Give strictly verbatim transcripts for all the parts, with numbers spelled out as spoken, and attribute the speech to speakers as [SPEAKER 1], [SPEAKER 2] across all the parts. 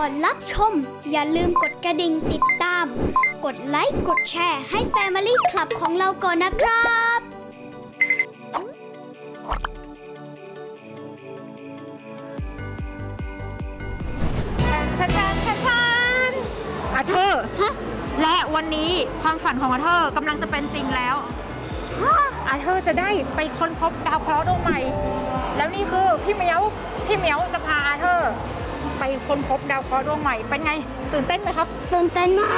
[SPEAKER 1] อนรับชมอย่าลืมกดกระดิ่งติดตามกดไลค์กดแชร์ให้ Family Club ของเราก่อนนะครับ
[SPEAKER 2] แทนแทนแทนแทนอาเธอร์และวันนี้ความฝันของอาเธอร์กำลังจะเป็นจริงแล้วอาเธอร์จะได้ไปค้นพบดาวเคราะห์ดวงใหม่แล้วนี่คือพี่เหมียวพี่เหมียวจะพาอาเธอร์ไปค้นพบดาวเคราะห์ดวงใหม่เป็นไงตื่นเต้นไหมครับ
[SPEAKER 1] ตื่นเต้นมาก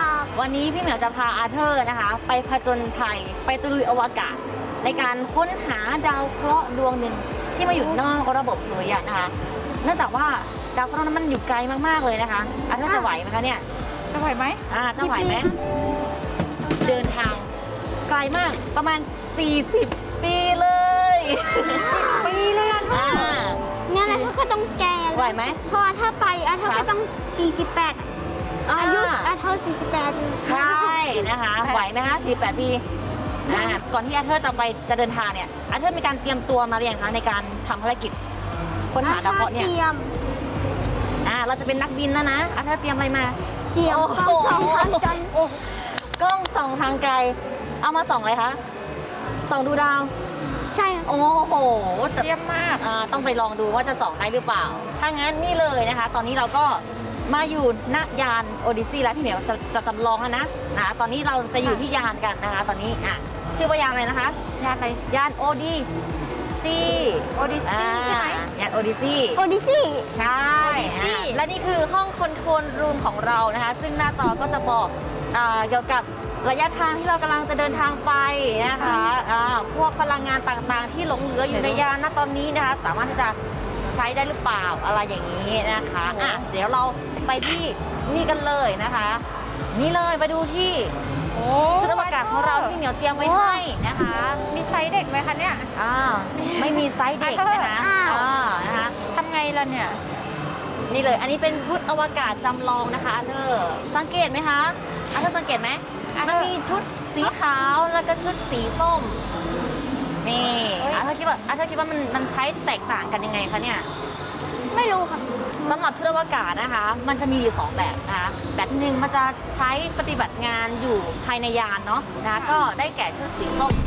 [SPEAKER 3] วันนี้พี่เหมียวจะพาอาเธอร์นะคะไปผจญภัยไปตะลุยอวกาศในการค้นหาดาวเคราะห์ดวงหนึ่งที่มาอยู่นอกระบบสุริยะนะคะเนื่องจากว่าดาวเคราะห์นั้นมันอยู่ไกลมากๆเลยนะคะอาเธอร์จะไหวไหมคะเนี่ย
[SPEAKER 2] จะไหวไหม
[SPEAKER 3] อ่าจะไหวไหมเดินทางไกลมากประมาณสี่สิบปีเลย
[SPEAKER 2] ปีเลยอ่ะ
[SPEAKER 3] อ่า
[SPEAKER 1] งั้นอาเธอร์ก็ต้องแก่
[SPEAKER 3] ไหวไหม
[SPEAKER 1] เพราะว่าถ้าไปอาเธอร์ก็ต้องสี่สิบแปดอายุอาเธอร์สี่สิบแปด
[SPEAKER 3] ใช่นะคะไหวไหมคะสี่สิบแปดปีอ่าก่อนที่อาเธอร์จะไปจะเดินทางเนี่ยอาเธอร์มีการเตรียมตัวมาหรือยังคะในการทำภารกิจค้นหาดาวเคราะห์เนี่ย
[SPEAKER 1] เตรียม
[SPEAKER 3] อ่าเราจะเป็นนักบินแล้วนะอาเธอร์เตรียมอะไรมา
[SPEAKER 1] เตรียมกล้องส่องทางไกล
[SPEAKER 3] กล้องส่องทางไกลเอามาส่องอะไรคะส่องดูดาว
[SPEAKER 1] ใช่
[SPEAKER 3] โอ้โห
[SPEAKER 2] เยี่ยมมาก
[SPEAKER 3] อ่าต้องไปลองดูว่าจะส่องได้หรือเปล่าถ้างั้นนี่เลยนะคะตอนนี้เราก็มาอยู่ณยานโอดิซีแล้วพี่เหมียวจะจะจำลองแล้วนะนะตอนนี้เราจะอยู่ที่ยานกันนะคะตอนนี้อ่ะชื่อว่ายานอะไรนะคะ
[SPEAKER 2] ยานอะไร
[SPEAKER 3] ยานโอดิซี
[SPEAKER 2] โอดิซีใช่ไหม
[SPEAKER 3] ยานโอดิซี
[SPEAKER 1] โอดิซี
[SPEAKER 3] ใช่และนี่คือห้องคอนโทรลรูมของเรานะคะซึ่งหน้าจอก็จะบอกเกี่ยวกับระยะทางที่เรากำลังจะเดินทางไปนะคะพวกพลังงานต่างๆที่หลงเหลืออยู่ในยานณตอนนี้นะคะสามารถที่จะใช้ได้หรือเปล่าอะไรอย่างนี้นะคะอ่ะเดี๋ยวเราไปที่นี่กันเลยนะคะนี่เลยไปดูที่ชุดอวกาศของเราที่เหมียวเตรียมไว้ให้นะคะ
[SPEAKER 2] มีไซส์เด็กไหมคะเนี่ย
[SPEAKER 3] อ่าไม่มีไซส์เด็กนะคะอ่านะคะ
[SPEAKER 2] ทำไงล่ะเนี่ย
[SPEAKER 3] นี่เลยอันนี้เป็นชุดอวกาศจำลองนะคะอาเธอร์สังเกตไหมคะอาเธอร์สังเกตไหมมันมีชุดสีขาวแล้วก็ชุดสีส้มนี่อาเธอร์คิดว่าอาเธอร์คิดว่ามันมันใช้แตกต่างกันยังไงคะเนี่ย
[SPEAKER 1] ไม่รู้ค่ะ
[SPEAKER 3] สำหรับชุดอวกาศนะคะมันจะมีอยู่สองแบบนะคะแบบที่หนึ่งมันจะใช้ปฏิบัติงานอยู่ภายในยานเนาะนะก็ได้แก่ชุดสีส้ม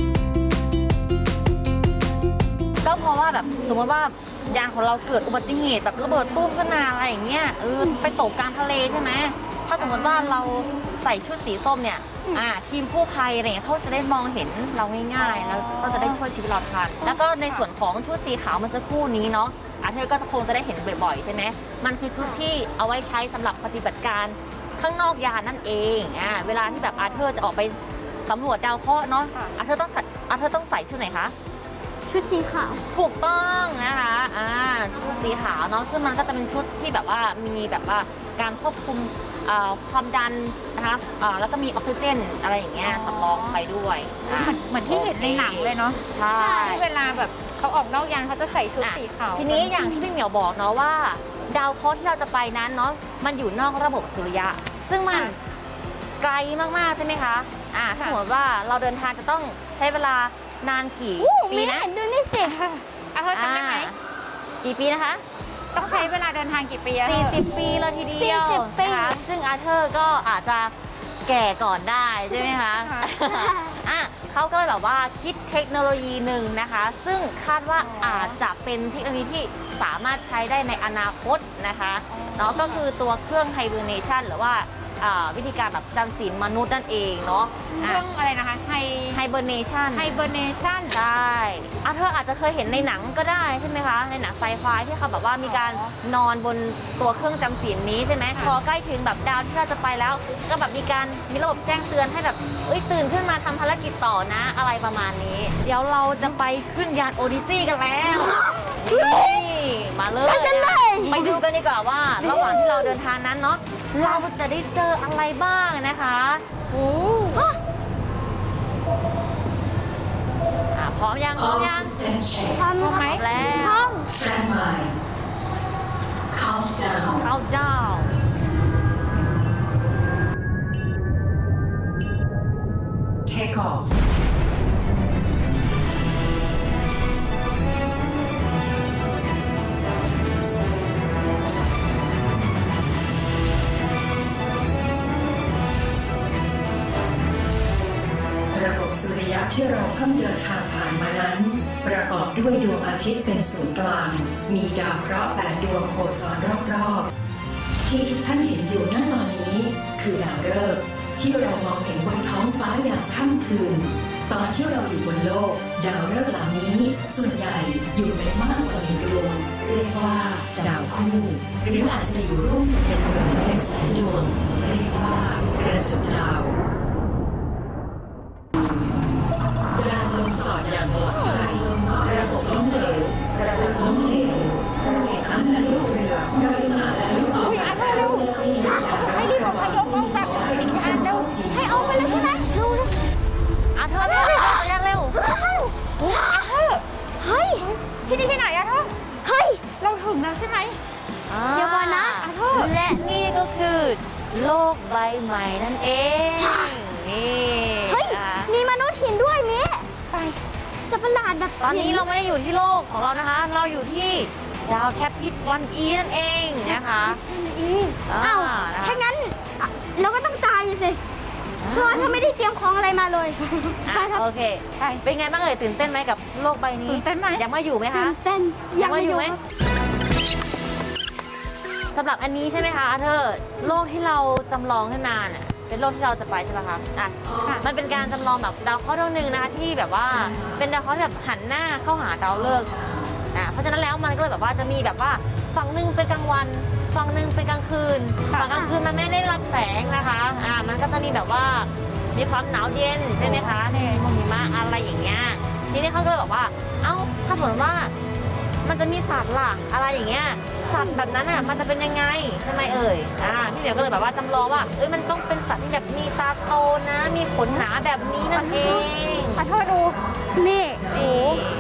[SPEAKER 3] ก็เพราะว่าแบบสมมติว่ายานของเราเกิดอุบัติเหตุแบบระเบิดตุ้มขึ้นมาอะไรอย่างเงี้ยเออไปตกกลางทะเลใช่ไหมถ้าสมมติว่าเราใส่ชุดสีส้มเนี่ยอ่าทีมกู้ภัยอะไรเงี้ยเขาจะได้มองเห็นเราง่ายๆแล้วเขาจะได้ช่วยชีวิตเราทันแล้วก็ในส่วนของชุดสีขาวเมื่อสักครู่นี้เนาะอาเธอร์ก็คงจะได้เห็นบ่อยๆใช่ไหมมันคือชุดที่เอาไว้ใช้สำหรับปฏิบัติการข้างนอกยานนั่นเองอ่าเวลาที่แบบอาเธอร์จะออกไปสำรวจดาวเคราะห์เนาะอาเธอร์ต้องใส่อาเธอร์ต้องใส่ชุดไหนคะ
[SPEAKER 1] ชุดสีขาว
[SPEAKER 3] ถูกต้องนะคะอ่าชุดสีขาวเนาะซึ่งมันก็จะเป็นชุดที่แบบว่ามีแบบว่าการควบคุมความดันนะคะแล้วก็มีออกซิเจนอะไรอย่างเงี้ยสำรองไปด้วย
[SPEAKER 2] เหมือนที่เห็นในหนังเลยเนาะ
[SPEAKER 3] ใช่
[SPEAKER 2] เวลาแบบเขาออกนอกยานเขาจะใส่ชุดสีขาว
[SPEAKER 3] ทีนี้อย่างที่พี่เหมียวบอกเนาะว่าดาวเคราะห์ที่เราจะไปนั้นเนาะมันอยู่นอกระบบสุริยะซึ่งมันไกลมากๆใช่ไหมคะอ่าถ้าสมมติว่าเราเดินทางจะต้องใช้เวลานานกี่ปีนะ
[SPEAKER 1] ดูนี่สิ
[SPEAKER 2] อาเธอร์ทำได้ไหม
[SPEAKER 3] กี่ปีนะคะ
[SPEAKER 2] ต้องใช้เวลาเดินทางกี่ปี
[SPEAKER 3] สี่สิบปีเลยทีเดียวนะคะซึ่งอาเธอร์ก็อาจจะแก่ก่อนได้ใช่ไหมคะอ่ะเขาก็เลยแบบว่าคิดเทคโนโลยีหนึ่งนะคะซึ่งคาดว่าอาจจะเป็นเทคโนโลยีที่สามารถใช้ได้ในอนาคตนะคะเนาะก็คือตัวเครื่องไฮเบอร์เนชันหรือว่าวิธีการแบบจำศีลมนุษย์นั่นเองเนาะ
[SPEAKER 2] เครื่องอะไรนะคะไฮ
[SPEAKER 3] ไฮเบอร์เนชัน
[SPEAKER 2] ไฮเบอร์เนชัน
[SPEAKER 3] ใช่อาเธอร์อาจจะเคยเห็นในหนังก็ได้ใช่ไหมคะในหนังไซไฟที่เขาแบบว่ามีการนอนบนตัวเครื่องจำศีลนี้ใช่ไหมพอใกล้ถึงแบบดาวที่เราจะไปแล้วก็แบบมีการมีระบบแจ้งเตือนให้แบบเอ้ยตื่นขึ้นมาทำภารกิจต่อนะอะไรประมาณนี้เดี๋ยวเราจะไปขึ้นยานโอดิซีกันแล้วนี่มาเลยไปดูกันดีกว่าว่าระหว่างที่เราเดินทางนั้นเนาะเราจะได้เจออะไรบ้างนะคะโอ้พร้อมยังพร้อมยัง
[SPEAKER 1] พร้อมไหม
[SPEAKER 3] แล้ว
[SPEAKER 1] พร้อม
[SPEAKER 3] Countdown Countdown
[SPEAKER 4] Take off สุริยะที่เราเพิ่งเดินทางผ่านมานั้น ประกอบด้วยดวงอาทิตย์เป็นศูนย์กลาง มีดาวเคราะห์แปดดวงโคจรรอบๆที่ทุกท่านเห็นอยู่ณตอนนี้ คือดาวฤกษ์ที่เรามองเห็นบนท้องฟ้าอย่างค่ำคืน ตอนที่เราอยู่บนโลก ดาวฤกษ์เหล่านี้ส่วนใหญ่อยู่ในมากกว่าหนึ่งดวงเรียกว่าดาวคู่หรืออาจจะอยู่ร่วมกันเป็นดวงเป็นแสนดวงเรียกว่ากระจุกดาวยานลงจอดอย่างปลอดภัยระบบล้มเหลวระบบล้มเหลวระบบสามและลูกเรือโดยสารและลูกออกจากแอโรซีให้รีบอพยพออกจากอ่านเร็ว
[SPEAKER 1] ให้ออกไปเลยใช่ไหมเร็ว
[SPEAKER 3] อาเธอเร็วเร็วเร็ว
[SPEAKER 2] อาเธอร์
[SPEAKER 1] เฮ้ย
[SPEAKER 2] ที่นี่ที่ไหนอาเธอร์
[SPEAKER 1] เฮ้ย
[SPEAKER 2] เราถึงแล้วใช่ไหม
[SPEAKER 1] เดี๋ยวก่อนนะ
[SPEAKER 3] าและนี่ก็คือ โลกใบใหม่นั่นเอง นี่
[SPEAKER 1] เฮ้ย
[SPEAKER 3] นะคะ
[SPEAKER 1] มีมนุษย์หินด้วยเมะ
[SPEAKER 2] ไป
[SPEAKER 1] สัตว์ประหลาดแบบ
[SPEAKER 3] ตอนนี้เราไม่ได้อยู่ที่โลกของเรานะคะ เราอยู่ที่ดาวแคปพิทวันอีนั่นเองนะคะ
[SPEAKER 1] อี
[SPEAKER 3] อ่า
[SPEAKER 1] อ้าว
[SPEAKER 3] นะคะ
[SPEAKER 1] ถ้างั้นอ่ะเราก็ต้องตายสิเพราะว่าถ้าไม่ได้เตรียมของอะไรมาเลย
[SPEAKER 3] อ่ะ
[SPEAKER 1] ไปครับ
[SPEAKER 3] โอเค
[SPEAKER 2] ไป
[SPEAKER 3] เป็นไงบ้างเอ่ยตื่นเต้นไหมกับโลกใบนี้
[SPEAKER 2] ตื่นเต้นไหม
[SPEAKER 3] อยากมาอยู่ไหมคะ
[SPEAKER 1] ตื่นเต้น
[SPEAKER 3] อยากมาอยู่ไหม
[SPEAKER 1] ครับ
[SPEAKER 3] สำหรับอันนี้ใช่ไหมคะเธอโลกที่เราจำลองขึ้นมาน่ะเป็นโลกที่เราจะไปใช่ไหมคะอ่ะมันเป็นการจำลองแบบดาวเคราะห์ดวงหนึ่งนะคะที่แบบว่าเป็นดาวเคราะห์ที่แบบหันหน้าเข้าหาดาวฤกษ์อ่ะเพราะฉะนั้นแล้วมันก็เลยแบบว่าจะมีแบบว่าฝั่งหนึ่งเป็นกลางวันฝั่งหนึ่งเป็นกลางคืนฝั่งกลางคืนมันไม่ได้รับแสงนะคะอ่ะมันก็จะมีแบบว่ามีความหนาวเย็นใช่ไหมคะในหมอกหิมะอะไรอย่างเงี้ยทีนี้เขาก็เลยบอกว่าเอ้าถ้าสมมติว่ามันจะมีสัตว์ล่ะอะไรอย่างเงี้ยสัตว์แบบนั้นอ่ะมันจะเป็นยังไงใช่ไหมเอ่ยอ่าพี่เหมียวก็เลยแบบว่าจำลองว่าเอ้ยมันต้องเป็นสัตว์ที่แบบมีตาโตนะ มีขนหนาแบบนี้นั่นเอง
[SPEAKER 2] อาเธอร์ดู
[SPEAKER 1] นี่
[SPEAKER 3] นี่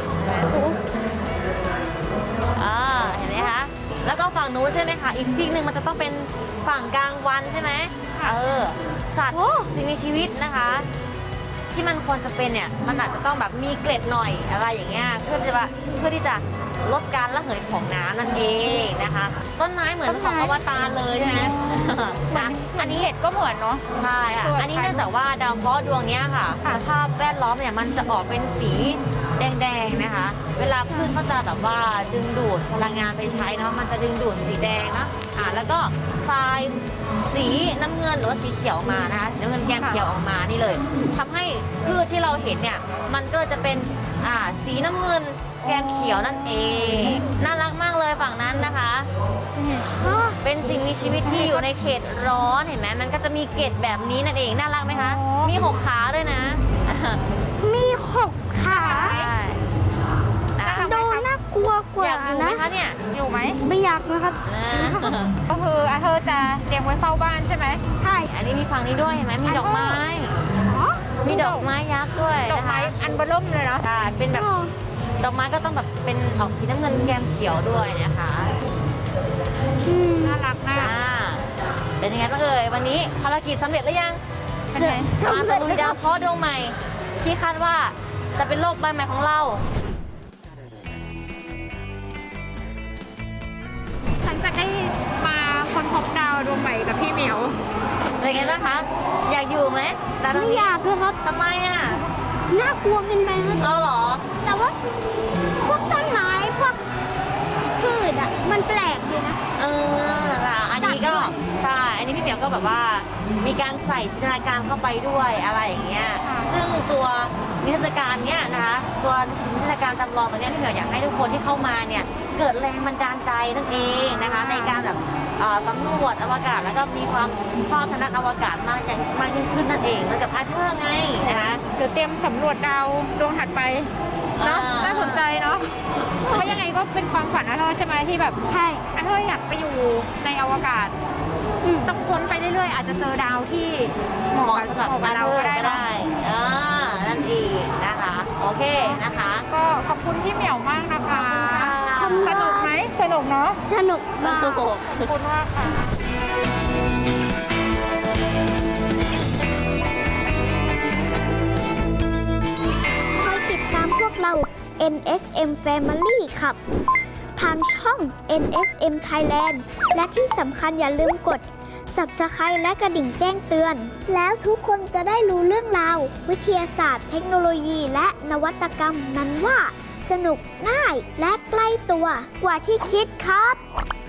[SPEAKER 3] อ่าเห็นไหมคะแล้วก็ฝั่งนู้นใช่ไหมคะอีกซีกหนึ่งมันจะต้องเป็นฝั่งกลางวันใช่ไหมเออสัตว์
[SPEAKER 1] โอ้
[SPEAKER 3] สิ่งมีชีวิตนะคะ ที่มันควรจะเป็นเนี่ยมันอาจจะต้องแบบมีเกล็ดหน่อยอะไรอย่างเงี้ยเพื่อที่จะเพื่อที่จะลดการระเหยของน้ำนั่นเองนะคะ ต้นไม้เหมือนของอวตารเลยใช่ไหมนะอันนี้
[SPEAKER 2] เห็ดก็เหมือนเนาะ
[SPEAKER 3] ใช่ค่ะ
[SPEAKER 2] ส่วน
[SPEAKER 3] อันนี้เนื่องจากว่าดาวเคราะห์ดวงเนี้ยค่ะ
[SPEAKER 2] ค่ะ
[SPEAKER 3] สภาพแวดล้อมเนี่ยมันจะออกเป็นสีแดงๆนะคะ เวลาพืชเขาจะแบบว่าดึงดูดพลังงานไปใช้เนาะมันจะดึงดูดสีแดงเนาะอ่าแล้วก็ทรายสีน้ำเงินหรือว่าสีเขียวมานะคะสีน้ำเงินแก้มเขียวออกมานี่เลยทำให้พืชที่เราเห็นเนี่ยมันก็จะเป็นอ่าสีน้ำเงินแก้มเขียวนั่นเองน่ารักมากเลยฝั่งนั้นนะคะ เป็นสิ่งมีชีวิตที่อยู่ในเขตร้อนเห็นไหมมันก็จะมีเกล็ดแบบนี้นั่นเองน่ารักไหมคะ
[SPEAKER 2] อ๋อ
[SPEAKER 3] มีหกขาด้วยนะ
[SPEAKER 1] มีหกขา
[SPEAKER 3] ใช่นะคะ
[SPEAKER 1] ดูน่ากลัวกว่า
[SPEAKER 3] อยากอยู่ไหม
[SPEAKER 1] นะคะ
[SPEAKER 3] เนี่ย
[SPEAKER 2] อยู่ไหม
[SPEAKER 1] ไม่อยากนะครับ
[SPEAKER 3] นะ
[SPEAKER 2] ก็คืออาเธอร์จะเตรียมไว้เฝ้าบ้านใช่ไหม
[SPEAKER 1] ใช่
[SPEAKER 3] อันนี้มีฝั่งนี้ด้วยเห็นไหมมีดอกไม้
[SPEAKER 1] อ๋อ
[SPEAKER 3] มีดอกไม้ยักษ์ด้วย
[SPEAKER 2] ดอก
[SPEAKER 3] นะคะ
[SPEAKER 2] ไม้อันเบอร์เริ่มเลยเนาะ
[SPEAKER 3] ใช่เป็นแบบดอกไม้ก็ต้องแบบเป็นออกสีน้ำเงินแก้มเขียวด้วยนะคะ
[SPEAKER 1] อืม
[SPEAKER 2] น่ารักมาก
[SPEAKER 3] อ่าเป็นยังไงบ้างเอ่ยวันนี้ภารกิจสำเร็จหรือยัง
[SPEAKER 2] เป็นไง
[SPEAKER 3] มาตะลุยดาวเคราะห์ดวงใหม่ ที่คาดว่าจะเป็นโลกใบใหม่ของเรา
[SPEAKER 2] ฉันจะได้มาค้นพบดาวดวงใหม่กับพี่เหมียว
[SPEAKER 3] เป็นไงบ้างคะ อยากอยู่ไหมดาวดว
[SPEAKER 1] ไม่
[SPEAKER 3] ง
[SPEAKER 1] อ
[SPEAKER 3] นี้
[SPEAKER 1] ยากเลยครับ
[SPEAKER 3] ทำไมอ่ะ
[SPEAKER 1] น่ากลัวเกินไปครับ
[SPEAKER 3] เอาเหรอ
[SPEAKER 1] แต่ว่าพวกต้นไม้พวกพืชอ่ะ มันแปลกดีนะ
[SPEAKER 3] เออล่ะอันนี้ก็ใช่ อันนี้พี่เหมียวก็แบบว่า มีการใส่จินตนาการเข้าไปด้วยอะไรอย่างเงี้ย
[SPEAKER 2] ค่ะ
[SPEAKER 3] ซึ่งตัวนิทรรศการเนี้ยนะคะ ตัวนิทรรศการจำลองตัวเนี้ยพี่เหมียวอยากให้ทุกคนที่เข้ามาเนี่ย เกิดแรงบันดาลใจนั่นเองนะคะ ในการแบบเอ่อสำรวจอวกาศแล้วก็มีความชอบทางด้านอวกาศมากยิ่งมากยิ่งขึ้นนั่นเองเหมือนกับอาเธอร์ไงนะคะ
[SPEAKER 2] เดี๋ยวเตรียมสำรวจดาวดวงถัดไปเนาะ
[SPEAKER 3] อ่า
[SPEAKER 2] น่าสนใจเนาะเพราะยังไงก็เป็นความฝันอาเธอร์ใช่ไหมที่แบบ
[SPEAKER 1] ใช่
[SPEAKER 2] อาเธอร์อยากไปอยู่ในอวกาศ
[SPEAKER 1] อืม
[SPEAKER 2] ต้องค้นไปเรื่อยๆ อาจจะเจอดาวที่เห
[SPEAKER 3] เห
[SPEAKER 2] มาะ
[SPEAKER 3] มาะ
[SPEAKER 2] กับ
[SPEAKER 3] สำหรับ
[SPEAKER 2] เหมาะกับ
[SPEAKER 3] อา
[SPEAKER 2] เรา
[SPEAKER 3] เธอ
[SPEAKER 2] ก็
[SPEAKER 3] ร์
[SPEAKER 2] ได้
[SPEAKER 3] ก็
[SPEAKER 2] เนอะ
[SPEAKER 3] ได้อ่านั่นเองนะคะ โอเคนะคะ
[SPEAKER 2] ก็ขอบคุณพี่เหมียวมากนะคะ
[SPEAKER 3] ขอบคุณค่ะ
[SPEAKER 2] สนุกไหมสนุกเนาะ
[SPEAKER 1] สนุกมาก
[SPEAKER 3] โอ้โห
[SPEAKER 2] ขอบคุณมากค่ะ
[SPEAKER 1] คอยติดตามพวกเรา เอ็น เอส เอ็ม Family ครับ ทางช่อง เอ็น เอส เอ็ม Thailand และที่สำคัญอย่าลืมกด Subscribe และกระดิ่งแจ้งเตือน แล้วทุกคนจะได้รู้เรื่องราววิทยาศาสตร์เทคโนโลยีและนวัตกรรมนั้นว่า สนุกง่ายและใกล้ตัวกว่าที่คิดครับ